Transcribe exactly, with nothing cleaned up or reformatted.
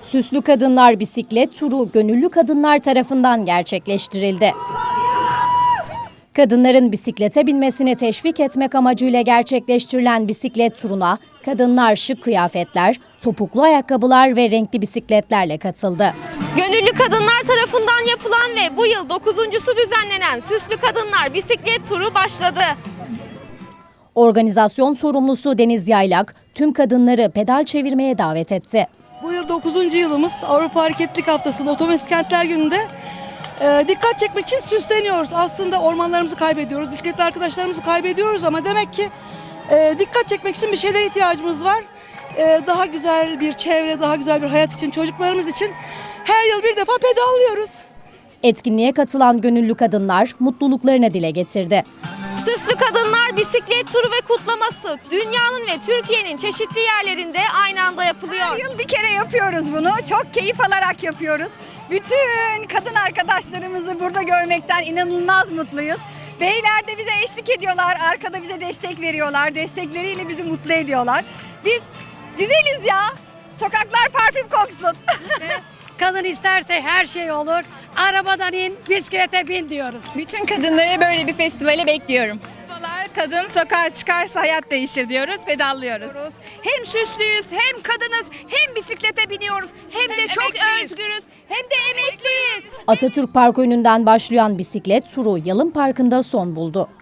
Süslü Kadınlar Bisiklet Turu gönüllü kadınlar tarafından gerçekleştirildi. Kadınların bisiklete binmesini teşvik etmek amacıyla gerçekleştirilen bisiklet turuna kadınlar şık kıyafetler, topuklu ayakkabılar ve renkli bisikletlerle katıldı. Gönüllü kadınlar tarafından yapılan ve bu yıl dokuzuncusu düzenlenen Süslü Kadınlar Bisiklet Turu başladı. Organizasyon sorumlusu Deniz Yaylak tüm kadınları pedal çevirmeye davet etti. Bu yıl dokuzuncu yılımız Avrupa Hareketlilik Haftası'nda Otomatik Kentler Günü'nde e, dikkat çekmek için süsleniyoruz. Aslında ormanlarımızı kaybediyoruz, bisikletli arkadaşlarımızı kaybediyoruz ama demek ki e, dikkat çekmek için bir şeylere ihtiyacımız var. E, daha güzel bir çevre, daha güzel bir hayat için, çocuklarımız için her yıl bir defa pedallıyoruz. Etkinliğe katılan gönüllü kadınlar mutluluklarını dile getirdi. Süslü Kadınlar Bisiklet Turu ve kutlaması dünyanın ve Türkiye'nin çeşitli yerlerinde aynı anda yapılıyor. Her yıl bir kere yapıyoruz bunu. Çok keyif alarak yapıyoruz. Bütün kadın arkadaşlarımızı burada görmekten inanılmaz mutluyuz. Beyler de bize eşlik ediyorlar. Arkada bize destek veriyorlar. Destekleriyle bizi mutlu ediyorlar. Biz güzeliz ya. Sokaklar parfüm koksun. Kadın isterse her şey olur. Arabadan in, bisiklete bin diyoruz. Bütün kadınları böyle bir festivale bekliyorum. Kadın sokağa çıkarsa hayat değişir diyoruz, pedallıyoruz. Hem süslüyüz, hem kadınız, hem bisiklete biniyoruz, hem de çok özgürüz, hem de emekliyiz. Atatürk Park önünden başlayan bisiklet turu Yalın Parkı'nda son buldu.